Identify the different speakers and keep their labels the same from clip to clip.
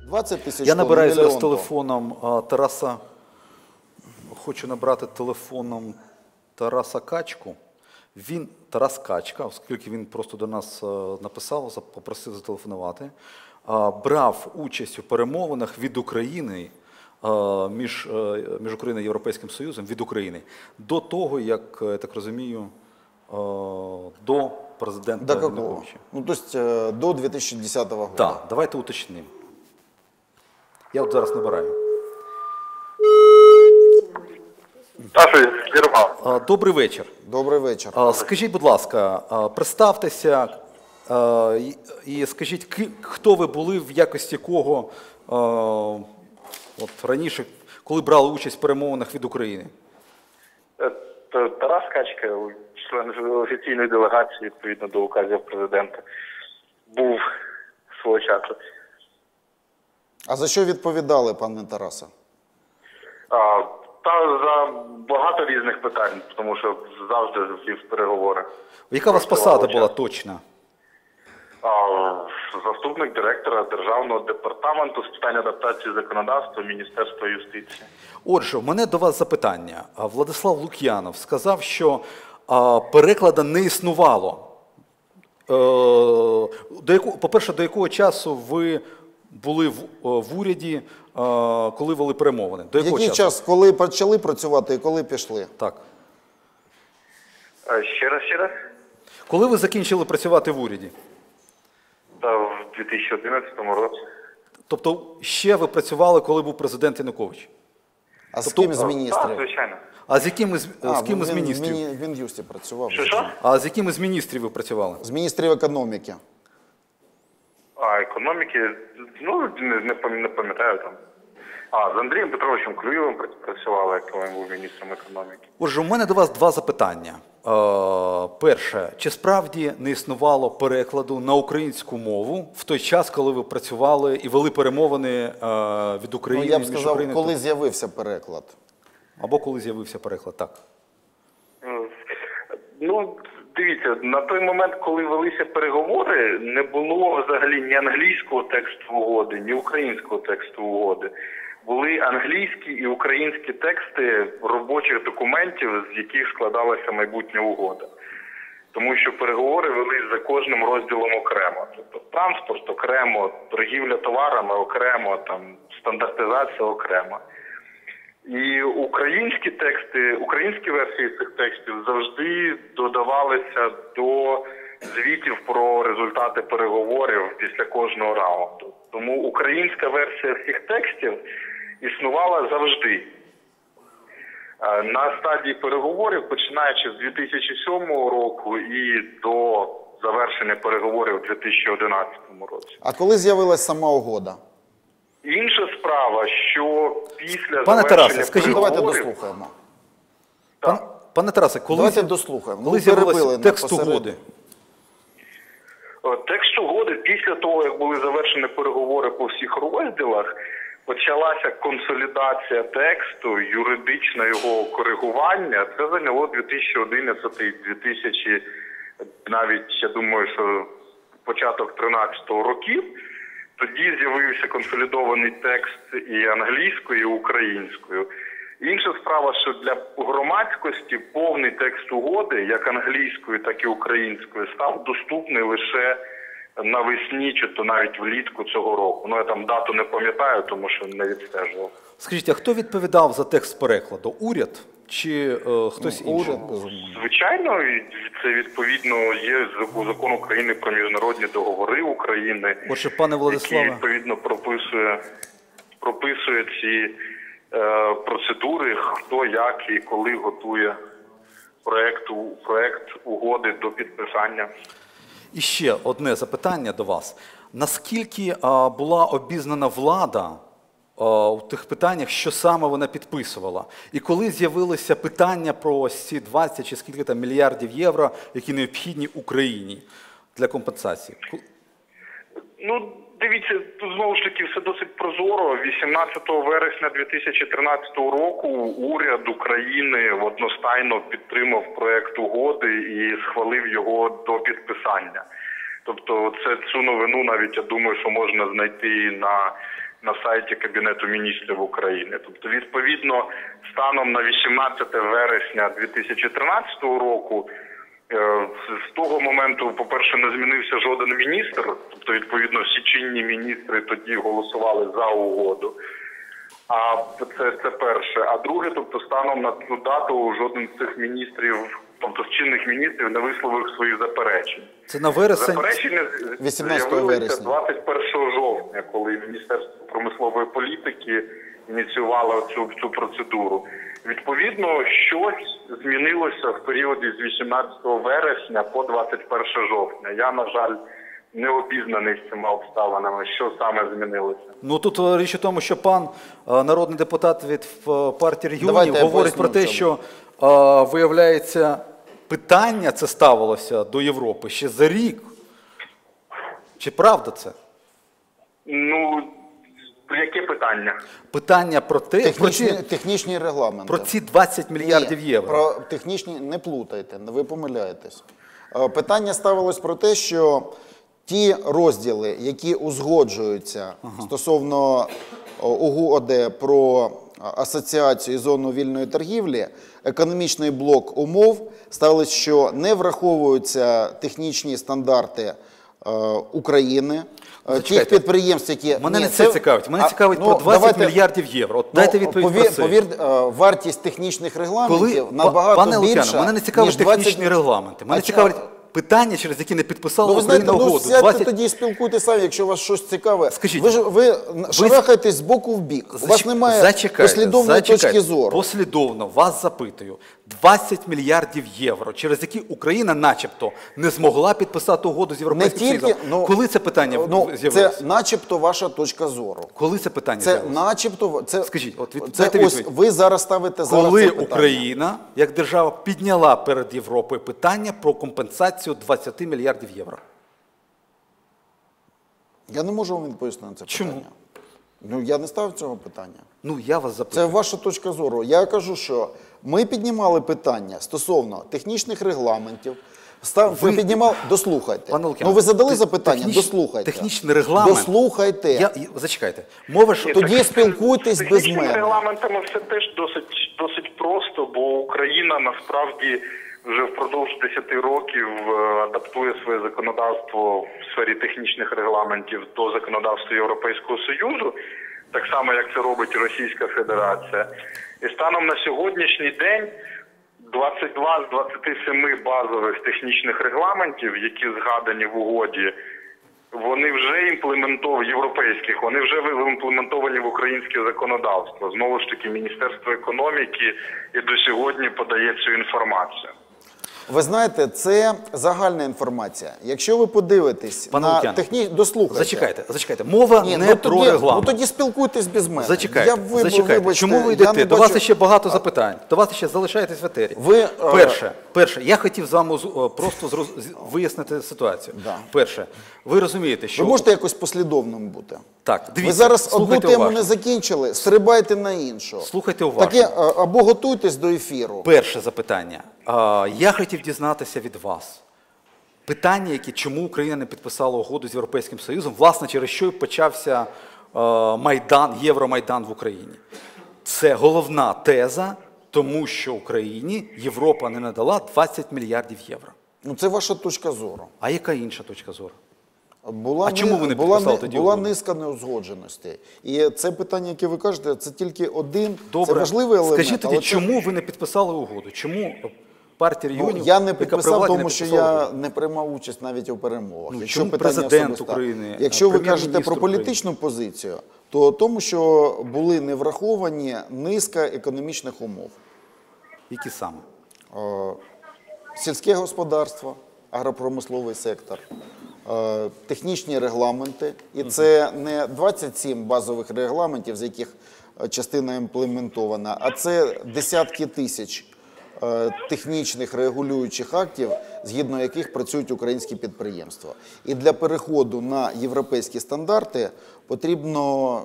Speaker 1: 20 тисяч
Speaker 2: Я
Speaker 1: тонн,
Speaker 2: набираю зараз
Speaker 1: мільйон тонн.
Speaker 2: телефоном Тараса, хочу набрати телефоном Тараса Качку. Тарас Качка, оскільки він просто до нас написав, попросив зателефонувати, брав участь у перемовинах від України, між Україною і Європейським Союзом, від України, до того, як, я так розумію, до президента Януковича.
Speaker 1: Ну, то есть до 2010 года.
Speaker 2: Так, давайте уточнимо. Я от зараз набираю. Добрий вечір.
Speaker 1: Добрий вечір.
Speaker 2: Скажіть, будь ласка, представтеся і скажіть, хто ви були, в якості кого от раніше, коли брали участь в перемовинах від України?
Speaker 3: Тарас Качка, член офіційної делегації, відповідно до указів президента, був свого часу.
Speaker 1: А за що відповідали, пане Тарасе?
Speaker 3: Та за багато різних питань, тому що завжди вів переговори.
Speaker 2: Яка у вас посада була точна?
Speaker 3: Заступник директора Державного департаменту з питань адаптації законодавства Міністерства юстиції.
Speaker 2: Отже, у мене до вас запитання. Владислав Лук'янов сказав, що перекладу не існувало. По-перше, до якого часу ви були в уряді, коли вели перемовини? До якого
Speaker 1: Який час, коли почали працювати і коли пішли?
Speaker 2: Так.
Speaker 3: Ще раз?
Speaker 2: Коли ви закінчили працювати в уряді?
Speaker 3: Та в 2011 році.
Speaker 2: Тобто ще ви працювали, коли був президент Янукович?
Speaker 1: А з ким з міністрів?
Speaker 3: Так, звичайно.
Speaker 2: А з яким з міністрів?
Speaker 1: В Мін'юсті працював.
Speaker 3: Що?
Speaker 2: А з яким з міністрів ви працювали?
Speaker 1: З міністрів економіки.
Speaker 3: Економіки, ну, не пам'ятаю там. З Андрієм Петровичем Клюєвим працювали, як він був міністром економіки.
Speaker 2: Отже, у мене до вас два запитання. Перше, чи справді не існувало перекладу на українську мову в той час, коли ви працювали і вели перемовини від України?
Speaker 1: Ну, я б сказав, коли з'явився переклад.
Speaker 2: Або коли з'явився переклад, так.
Speaker 3: Ну, дивіться, на той момент, коли велися переговори, не було взагалі ні англійського тексту угоди, ні українського тексту угоди. Були англійські і українські тексти робочих документів, з яких складалася майбутня угода. Тому що переговори велись за кожним розділом окремо. Тобто транспорт окремо, торгівля товарами окремо, там, стандартизація окремо. І українські тексти, українські версії цих текстів завжди додавалися до звітів про результати переговорів після кожного раунду. Тому українська версія всіх текстів існувала завжди. На стадії переговорів, починаючи з 2007 року і до завершення переговорів у 2011 році.
Speaker 1: А коли з'явилась сама угода?
Speaker 3: Інша справа, що після
Speaker 2: Пане Тарасе,
Speaker 3: завершення
Speaker 2: скажіть,
Speaker 3: переговорів...
Speaker 1: Давайте дослухаємо.
Speaker 2: Пане Тарасе,
Speaker 1: Давайте дослухаємо.
Speaker 2: Коли з'явився текст угоди?
Speaker 3: Текст угоди після того, як були завершені переговори по всіх розділах, почалася консолідація тексту, юридичне його коригування. Це зайняло 2011-2000, навіть, я думаю, що початок 13-го років. Тоді з'явився консолідований текст і англійською, і українською. Інша справа, що для громадськості повний текст угоди, як англійською, так і українською, став доступний лише навесні, чи то навіть влітку цього року. Ну, я там дату не пам'ятаю, тому що не відстежував.
Speaker 2: Скажіть, а хто відповідав за текст перекладу? Уряд чи хтось інший?
Speaker 3: Звичайно, це відповідно є закон України про міжнародні договори України,
Speaker 2: Отже, пане Владиславе,
Speaker 3: який відповідно прописує ці процедури, хто, як і коли готує проект угоди до підписання.
Speaker 2: і ще одне запитання до вас. Наскільки була обізнана влада у тих питаннях, що саме вона підписувала? І коли з'явилися питання про ці 20 чи скільки там мільярдів євро, які необхідні Україні для компенсації?
Speaker 3: Ну, дивіться, тут знову ж таки все досить прозоро. 18 вересня 2013 року уряд України одностайно підтримав проект угоди і схвалив його до підписання. Тобто цю новину навіть, я думаю, що можна знайти на на сайті Кабінету міністрів України. Тобто, відповідно, станом на 18 вересня 2013 року, з того моменту, по-перше, не змінився жоден міністр, тобто, відповідно, всі чинні міністри тоді голосували за угоду. А це перше. А друге, тобто, станом на цю дату жоден з цих міністрів, тобто з чинних міністрів, не висловив свої заперечень.
Speaker 2: Це на вересень?
Speaker 3: Заперечення
Speaker 1: 18
Speaker 3: з'явилися
Speaker 1: вересня.
Speaker 3: 21 жовтня, коли Міністерство промислової політики ініціювало цю процедуру. Відповідно, щось змінилося в періоді з 18 вересня по 21 жовтня. Я, на жаль, не обізнаний з цими обставинами, що саме змінилося.
Speaker 2: Ну тут річ у тому, що пан народний депутат від партії регіонів
Speaker 1: Давайте я
Speaker 2: говорить
Speaker 1: поясню,
Speaker 2: про те,
Speaker 1: чому.
Speaker 2: що, виявляється, питання це ставилося до Європи ще за рік. Чи правда це?
Speaker 3: Ну, яке питання?
Speaker 2: Питання про те,
Speaker 1: Технічні регламенти.
Speaker 2: про ці 20 мільярдів
Speaker 1: Ні,
Speaker 2: євро.
Speaker 1: Про технічні не плутайте, ви помиляєтесь. Питання ставилось про те, що ті розділи, які узгоджуються стосовно УГОД про асоціацію і зону вільної торгівлі, економічний блок умов, ставилось, що не враховуються технічні стандарти України, тих підприємств, які...
Speaker 2: Мене
Speaker 1: Ні,
Speaker 2: не це цікавить. Мене цікавить про 20 мільярдів євро. От дайте відповідь про це.
Speaker 1: Повір, вартість технічних регламентів набагато
Speaker 2: Пане
Speaker 1: більша,
Speaker 2: Лук'яне, мене не цікавить
Speaker 1: ніж 20...
Speaker 2: технічні регламенти. Мене
Speaker 1: А
Speaker 2: цікавить питання, через які не підписала
Speaker 1: Ну, ви знаєте,
Speaker 2: Україна
Speaker 1: ну,
Speaker 2: угоду.
Speaker 1: сядьте
Speaker 2: 20...
Speaker 1: тоді і спілкуйтесь самі, якщо вас щось цікаве.
Speaker 2: Скажіть,
Speaker 1: ви шарахаєтесь з боку в бік. У вас немає послідовної точки зору.
Speaker 2: Послідовно, вас запитую. 20 мільярдів євро, через які Україна начебто не змогла підписати угоду з Європейським Союзом. Коли це питання з'явилося?
Speaker 1: Це начебто ваша точка зору.
Speaker 2: Коли це питання
Speaker 1: Це
Speaker 2: з'явилося?
Speaker 1: начебто...
Speaker 2: Скажіть, от
Speaker 1: це
Speaker 2: дайте
Speaker 1: ось
Speaker 2: відповідь.
Speaker 1: ви зараз ставите зараз
Speaker 2: Коли
Speaker 1: це питання.
Speaker 2: Україна, як держава, підняла перед Європою питання про компенсацію 20 мільярдів євро?
Speaker 1: Я не можу вам відповісти на це
Speaker 2: Чому?
Speaker 1: питання. Ну, я не ставив цього питання.
Speaker 2: Ну, я вас запитую.
Speaker 1: Це ваша точка зору. Я кажу, що ми піднімали питання стосовно технічних регламентів. Ви піднімали... Дослухайте.
Speaker 2: Пане Лук'яне,
Speaker 1: Ну, ви задали запитання? Дослухайте.
Speaker 2: Технічний регламент...
Speaker 1: Дослухайте.
Speaker 2: Зачекайте. Мова ж...
Speaker 1: Тоді спілкуйтесь без
Speaker 3: Технічними
Speaker 1: мене.
Speaker 3: регламентами все теж досить просто, бо Україна насправді вже впродовж 10 років адаптує своє законодавство в сфері технічних регламентів до законодавства Європейського Союзу, так само, як це робить Російська Федерація. І станом на сьогоднішній день 22 з 27 базових технічних регламентів, які згадані в угоді, вони вже європейських, вони вже імплементовані в українське законодавство. Знову ж таки, Міністерство економіки і до сьогодні подає цю інформацію.
Speaker 1: Ви знаєте, це загальна інформація. Якщо ви подивитесь
Speaker 2: Пане
Speaker 1: на
Speaker 2: Лук'яне,
Speaker 1: технічні... Дослухайте.
Speaker 2: Зачекайте. Мова не про регламент.
Speaker 1: Ну тоді спілкуйтесь без мене.
Speaker 2: Зачекайте.
Speaker 1: Вибачте,
Speaker 2: чому ви йдете? До вас ще багато запитань. До вас ще залишаєтесь в етері. Перше, я хотів з вами просто вияснити ситуацію.
Speaker 1: Да.
Speaker 2: Перше, ви розумієте, що...
Speaker 1: Ви можете якось послідовним бути?
Speaker 2: Так, дивіться.
Speaker 1: Ви зараз одну
Speaker 2: слухайте
Speaker 1: тему
Speaker 2: уважно.
Speaker 1: не закінчили, стрибайте на іншу.
Speaker 2: Слухайте уважно.
Speaker 1: Таке, або готуйтесь до ефіру.
Speaker 2: Перше запитання. Я хотів дізнатися від вас. Питання, чому Україна не підписала угоду з Європейським Союзом, власне, через що і почався Євромайдан в Україні. Це головна теза, тому що Україні Європа не надала 20 мільярдів євро.
Speaker 1: Ну це ваша точка зору.
Speaker 2: А яка інша точка зору?
Speaker 1: Чому
Speaker 2: ви не підписали тоді
Speaker 1: була
Speaker 2: угоду?
Speaker 1: низка неузгодженостей. І це питання, яке ви кажете, це тільки один,
Speaker 2: Добре.
Speaker 1: це важливий елемент.
Speaker 2: Скажіть тоді, чому ви не підписали угоду? Чому партія регіонів,
Speaker 1: я не
Speaker 2: яка при
Speaker 1: підписав,
Speaker 2: владі,
Speaker 1: тому
Speaker 2: не
Speaker 1: що
Speaker 2: підписала
Speaker 1: я
Speaker 2: угоду?
Speaker 1: не приймав участь навіть у перемовах.
Speaker 2: Ну,
Speaker 1: Якщо
Speaker 2: чому
Speaker 1: питання
Speaker 2: президент
Speaker 1: особисте.
Speaker 2: України,
Speaker 1: Якщо ви кажете
Speaker 2: прем'єр-міністр
Speaker 1: про політичну позицію, то тому, що були не враховані низка економічних умов.
Speaker 2: Які саме?
Speaker 1: Сільське господарство, агропромисловий сектор, технічні регламенти. І це не 27 базових регламентів, з яких частина імплементована, а це десятки тисяч технічних регулюючих актів, згідно яких працюють українські підприємства. І для переходу на європейські стандарти потрібно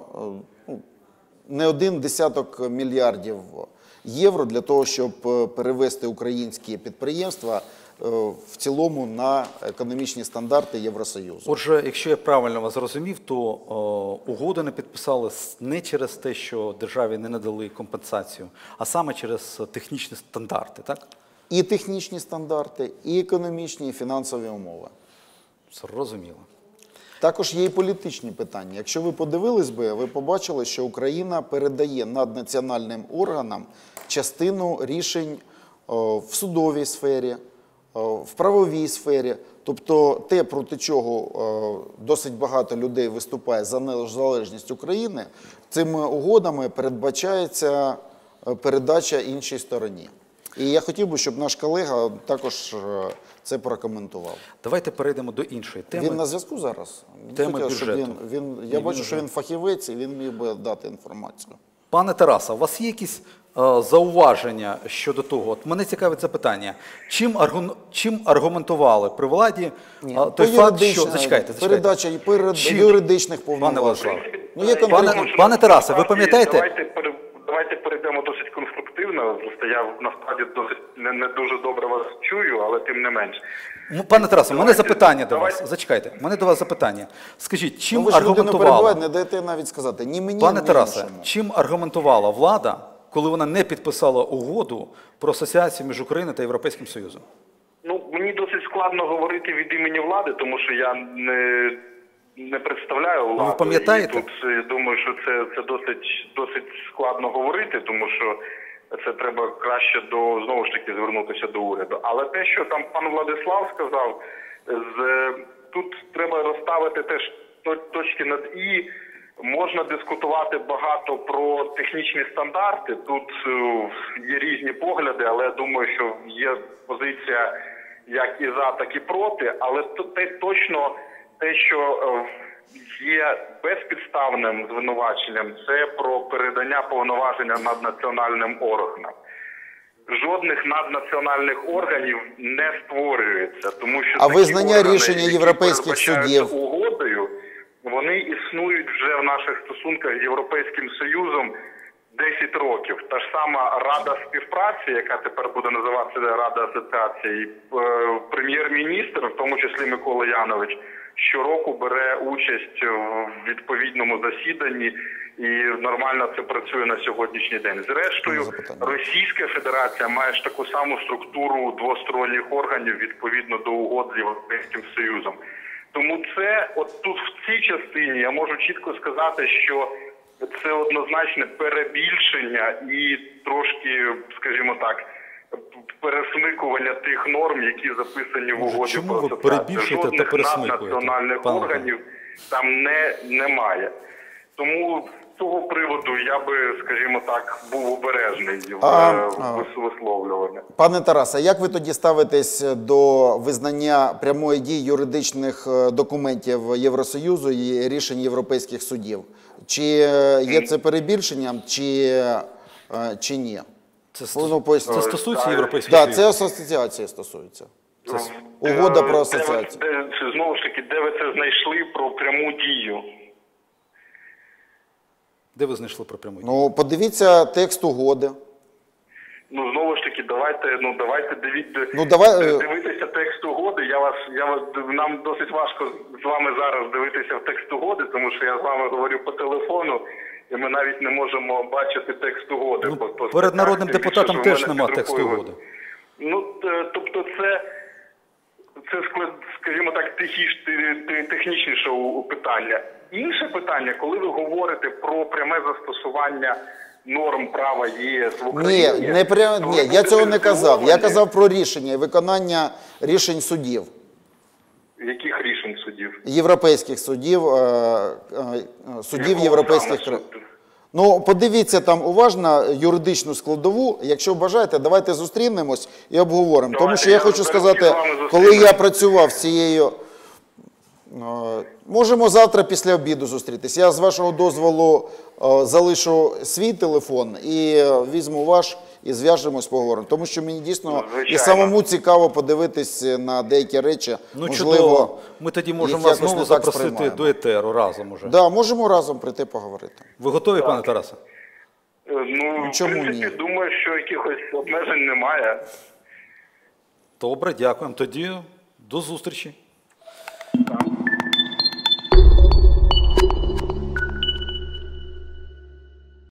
Speaker 1: не 1 десяток мільярдів євро для того, щоб перевести українські підприємства в цілому на економічні стандарти Євросоюзу.
Speaker 2: Отже, якщо я правильно вас зрозумів, то угоду не підписали не через те, що державі не надали компенсацію, а саме через технічні стандарти, так?
Speaker 1: І технічні стандарти, і економічні, і фінансові умови.
Speaker 2: Зрозуміло.
Speaker 1: Також є і політичні питання. Якщо ви подивились би, ви побачили, що Україна передає наднаціональним органам частину рішень в судовій сфері, в правовій сфері. Тобто те, проти чого досить багато людей виступає за незалежність України, цими угодами передбачається передача іншій стороні. І я хотів би, щоб наш колега також це прокоментував.
Speaker 2: Давайте перейдемо до іншої теми.
Speaker 1: Він на зв'язку зараз?
Speaker 2: Теми
Speaker 1: Хотів, щоб
Speaker 2: бюджету.
Speaker 1: Я бачу, що він фахівець, і він міг би дати інформацію.
Speaker 2: Пане Тарасе, у вас є якісь зауваження щодо того? От мене цікавить запитання. Чим аргументували при владі той факт, що... Зачекайте.
Speaker 1: Передача юридичних повноважень.
Speaker 2: Пане Тарасе, ви пам'ятаєте?
Speaker 3: Давайте перейдемо досить конструктивно. Просто я насправді досить не дуже добре вас чую, але тим не менш.
Speaker 2: Пане Тарасе, у мене запитання до вас. Зачекайте, у мене до вас запитання. Скажіть, чим
Speaker 1: ви ж людину
Speaker 2: аргументувала...
Speaker 1: перебиваєте, не даєте навіть сказати. Ні мені,
Speaker 2: Пане
Speaker 1: ні
Speaker 2: Тарасе,
Speaker 1: іншому.
Speaker 2: чим аргументувала влада, коли вона не підписала угоду про асоціацію між Україною та Європейським Союзом?
Speaker 3: Ну, мені досить складно говорити від імені влади, тому що я не представляю владу.
Speaker 2: Ви пам'ятаєте?
Speaker 3: І тут я думаю, що це досить складно говорити, тому що це треба краще знову ж таки звернутися до уряду. Але те, що там пан Владислав сказав, тут треба розставити теж точки над «і». Можна дискутувати багато про технічні стандарти. Тут є різні погляди, але я думаю, що є позиція як і за, так і проти. Але точно те, що є безпідставним звинуваченням, це про передання повноваження наднаціональним органам. Жодних наднаціональних органів не створюється, тому що
Speaker 1: а
Speaker 3: такі
Speaker 1: визнання
Speaker 3: органи,
Speaker 1: рішення
Speaker 3: які
Speaker 1: європейських
Speaker 3: передбачаються
Speaker 1: судів
Speaker 3: угодою, вони існують вже в наших стосунках з Європейським Союзом 10 років. Та ж сама Рада співпраці, яка тепер буде називатися Рада асоціації, прем'єр-міністр, в тому числі Микола Янович, щороку бере участь в відповідному засіданні, і нормально це працює на сьогоднішній день. Зрештою, Російська Федерація має ж таку саму структуру двосторонніх органів відповідно до угод з Європейським Союзом. Тому це, от тут в цій частині я можу чітко сказати, що це однозначне перебільшення і трошки, скажімо так, пересмикування тих норм, які записані в угоді про асоціацію. Жодних наднаціональних органів там немає. Тому з цього приводу я би, скажімо так, був обережний в висловлюванні.
Speaker 1: Пане Тарасе, як ви тоді ставитесь до визнання прямої дії юридичних документів Євросоюзу і рішень європейських судів? Чи є це перебільшенням, чи ні?
Speaker 2: Це стосується Європейського Союзу?
Speaker 1: Так, це асоціація стосується. Угода про асоціацію.
Speaker 3: Знову ж таки, де ви це знайшли про пряму дію?
Speaker 2: Де ви знайшли про пряму дію?
Speaker 1: Ну, подивіться текст угоди.
Speaker 3: Ну, знову ж таки, давайте дивитися текст угоди. Нам досить важко з вами зараз дивитися в текст угоди, тому що я з вами говорю по телефону, і ми навіть не можемо бачити текст угоди.
Speaker 2: Ну, перед народним депутатом теж нема тексту угоди.
Speaker 3: Ну, тобто це, скажімо так, технічніше питання. Інше питання, коли ви говорите про пряме застосування норм права ЄС в Україні...
Speaker 1: Ні, я цього не казав. Я казав про рішення і виконання рішень судів.
Speaker 3: Яких рішень судів?
Speaker 1: Європейських судів, судів європейських країн. Ну, подивіться там уважно юридичну складову. Якщо бажаєте, давайте зустрінемось і обговоримо. Тому що я хочу сказати, коли я працював з цією... Можемо завтра після обіду зустрітися. Я з вашого дозволу залишу свій телефон і візьму ваш і зв'яжемось, поговоримо. Тому що мені дійсно і самому цікаво подивитись на деякі речі.
Speaker 2: Ну,
Speaker 1: можливо,
Speaker 2: чудово. Ми тоді можемо вас знову запросити до етеру разом уже.
Speaker 1: Так, можемо разом прийти поговорити.
Speaker 2: Ви готові, пане Тарасе?
Speaker 3: Ну, в принципі, думаю, що якихось обмежень немає.
Speaker 2: Добре, дякуємо. Тоді до зустрічі.